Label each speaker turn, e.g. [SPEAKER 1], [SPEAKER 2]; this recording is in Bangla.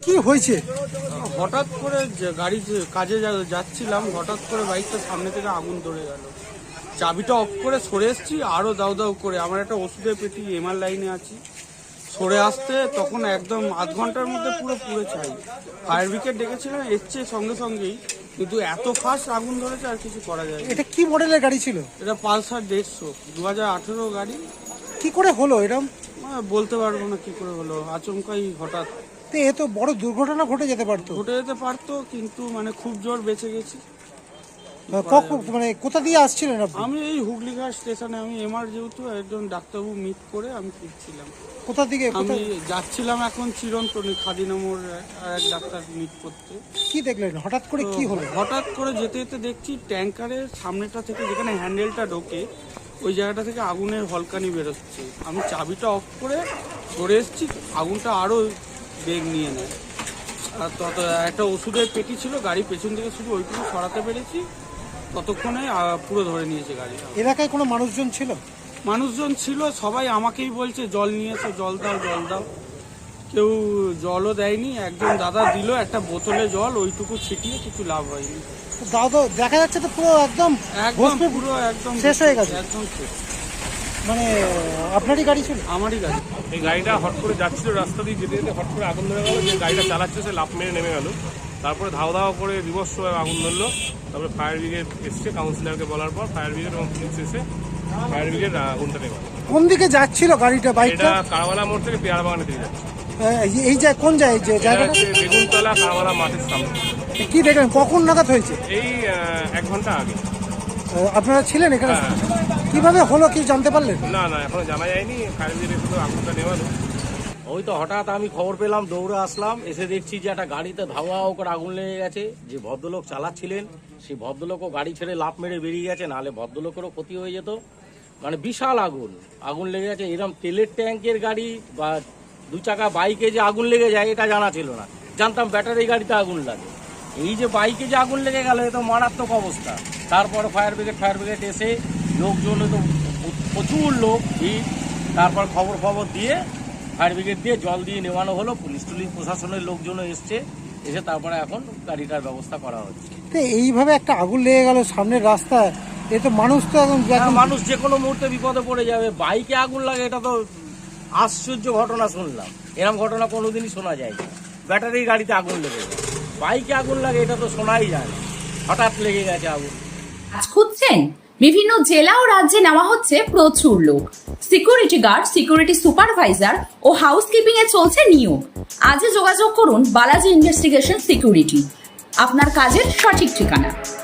[SPEAKER 1] কি হয়েছে?
[SPEAKER 2] হঠাৎ করে গাড়ি কাজে যাচ্ছিলাম, হঠাৎ করে বাইকটা সামনে থেকে আগুন ধরে গেল। চাবিটা অফ করে সরে এসেছি, আরও দাউ দাউ করে। আমার একটা ওষুধের পেটি, এমআর লাইনে আছি, সরে আসতে তখন একদম আধ ঘন্টার মধ্যে পুরো পুড়ে ছাই। ফায়ার ব্রিগেড ডেকেছিলাম, এসছে সঙ্গে সঙ্গেই, কিন্তু এত ফাস্ট আগুন ধরেছে আর কিছু করা যায় না।
[SPEAKER 1] এটা কি মডেলের গাড়ি ছিল?
[SPEAKER 2] এটা পালসার 150 2018 গাড়ি।
[SPEAKER 1] কি করে হলো এরকম?
[SPEAKER 2] বলতে পারবো না কি করে হলো, আচমকাই হঠাৎ।
[SPEAKER 1] তো এ তো বড় দুর্ঘটনা ঘটে যেতে পারতো।
[SPEAKER 2] ঘটে যেতে পারতো, কিন্তু মানে খুব জোর বেঁচে গেছি।
[SPEAKER 1] মানে কোথা দিয়ে আসছিলেন আপনি?
[SPEAKER 2] আমি এই হুগলিঘাট স্টেশনে, আমি এমআর যেহেতু একজন ডাক্তারবাবু মিট করে আমি ফিরছিলাম।
[SPEAKER 1] কোথা দিকে?
[SPEAKER 2] আমি যাচ্ছিলাম এখন চিরন্তনী খাদিনামোর এক ডাক্তার মিট করতে।
[SPEAKER 1] কি দেখলেন হঠাৎ করে, কি হলো?
[SPEAKER 2] হঠাৎ করে যেতে যেতে দেখছি ট্যাঙ্কারের সামনেটা থেকে, যেখানে হ্যান্ডেলটা ঢোকে, ওই জায়গাটা থেকে আগুনের হলকানি বেরোচ্ছে। আমি চাবিটা অফ করে সরে এসেছি, আগুনটা আরও বেগ নিয়ে নেয়। আর তত একটা ওষুধের পেটি ছিল, গাড়ি পেছন থেকে শুধু ওইটুকু সরাতে পেরেছি, ততক্ষণে পুরো ধরে নিয়েছে গাড়িটা।
[SPEAKER 1] এলাকায় কোনো মানুষজন ছিল?
[SPEAKER 2] মানুষজন ছিল, সবাই আমাকেই বলছে জল নিয়েছো, জল দাও জল দাও। কেউ জলও দেয়নি, একজন দাদা দিল একটা বোতলে জল, ওইটুকু ছিটিয়ে, কিছু লাভ হয়নি।
[SPEAKER 1] দাদা দেখা যাচ্ছে তো পুরো একদম
[SPEAKER 2] পুরো একদম
[SPEAKER 1] শেষ হয়ে গেছে।
[SPEAKER 2] একদম শেষ।
[SPEAKER 1] মানে আপনারই গাড়ি ছিল?
[SPEAKER 2] আমারই গাড়ি।
[SPEAKER 3] এই গাড়িটা হট করে যাচ্ছিল, রাস্তা দিয়ে যেতে যেতে হট করে আগুন ধরে গেল। যে গাড়িটা চালাচ্ছে সে লাফ মেরে নেমে গেল। তারপরে ধাও ধাও করে বিভৎস আগুন ধরলো। তারপরে ফায়ার ব্রিগেড এসছে, কাউন্সিলরকে বলার পর ফায়ার ব্রিগেড এবং পুলিশ এসে ফায়ার ব্রিগেড আগুনটা নেমে গেল।
[SPEAKER 1] কোন দিকে যাচ্ছিল গাড়িটা, বাইকটা?
[SPEAKER 3] এটা কারওয়ালা মোড় থেকে পেয়ারা বাগানে দিয়ে যাচ্ছে।
[SPEAKER 1] এই যে কোন জায়গায়, যে
[SPEAKER 3] এটা
[SPEAKER 1] জায়গাটা?
[SPEAKER 3] হচ্ছে বেগুনতলা কারওয়ালা মাঠের সামনে।
[SPEAKER 1] কি দেখলেন, কখন নাগাদ হয়েছে?
[SPEAKER 3] এই 1 ঘন্টা আগে।
[SPEAKER 1] আপনারা ছিলেন এখানে?
[SPEAKER 3] হ্যাঁ।
[SPEAKER 1] কিভাবে হলো কি জানতে পারলেন?
[SPEAKER 3] না এখনো জানা যায়নি। ফায়ার ব্রিগেড শুধু আগুনটা নেওয়ালো।
[SPEAKER 4] ওই তো হঠাৎ আমি খবর পেলাম, দৌড়ে আসলাম, এসে দেখছি যে একটা গাড়িতে ধাওয়া করে আগুন লেগে গেছে। যে ভদ্রলোক চালাচ্ছিলেন সেই ভদ্রলোকও গাড়ি ছেড়ে লাফ মেরে বেরিয়ে গেছে, নাহলে ভদ্রলোকেরও ক্ষতি হয়ে যেত। মানে বিশাল আগুন লেগে গেছে। এরকম তেলের ট্যাঙ্কের গাড়ি বা 2 চাকা বাইকে যে আগুন লেগে যায় এটা জানা ছিল না, জানতাম ব্যাটারি গাড়িতে আগুন লাগে। এই যে বাইকে যে আগুন লেগে গেল, এ তো মারাত্মক অবস্থা। তারপরে ফায়ার ব্রিগেড এসে, লোকজন তো প্রচুর লোক ভিড়, তারপর খবর দিয়ে ফায়ার ব্রিগেড দিয়ে জল দিয়ে নেওয়ানো হলো। পুলিশ প্রশাসনের লোকজনও এসছে, এসে তারপরে এখন গাড়িটার ব্যবস্থা করা হচ্ছে।
[SPEAKER 1] এইভাবে একটা আগুন লেগে গেল সামনের রাস্তায়, এ তো মানুষ তো
[SPEAKER 4] মানুষ যে কোনো মুহূর্তে বিপদে পড়ে যাবে। বাইকে আগুন লাগে, এটা তো আশ্চর্য ঘটনা শুনলাম। এরকম ঘটনা কোনোদিনই শোনা যায় না। ব্যাটারি গাড়িতে আগুন লেগে যায়, বাইকে আগুন লাগে, এটা তো শোনাই যায় না। হঠাৎ লেগে গেছে আগুন।
[SPEAKER 5] কাজ খুঁজছেন? বিভিন্ন জেলা ও রাজ্যে নেওয়া হচ্ছে প্রচুর লোক। সিকিউরিটি গার্ড, সিকিউরিটি সুপারভাইজার ও হাউসকিপিং এ চলছে নিয়োগ। আজই যোগাযোগ করুন বালাজি ইনভেস্টিগেশন সিকিউরিটি, আপনার কাজের সঠিক ঠিকানা।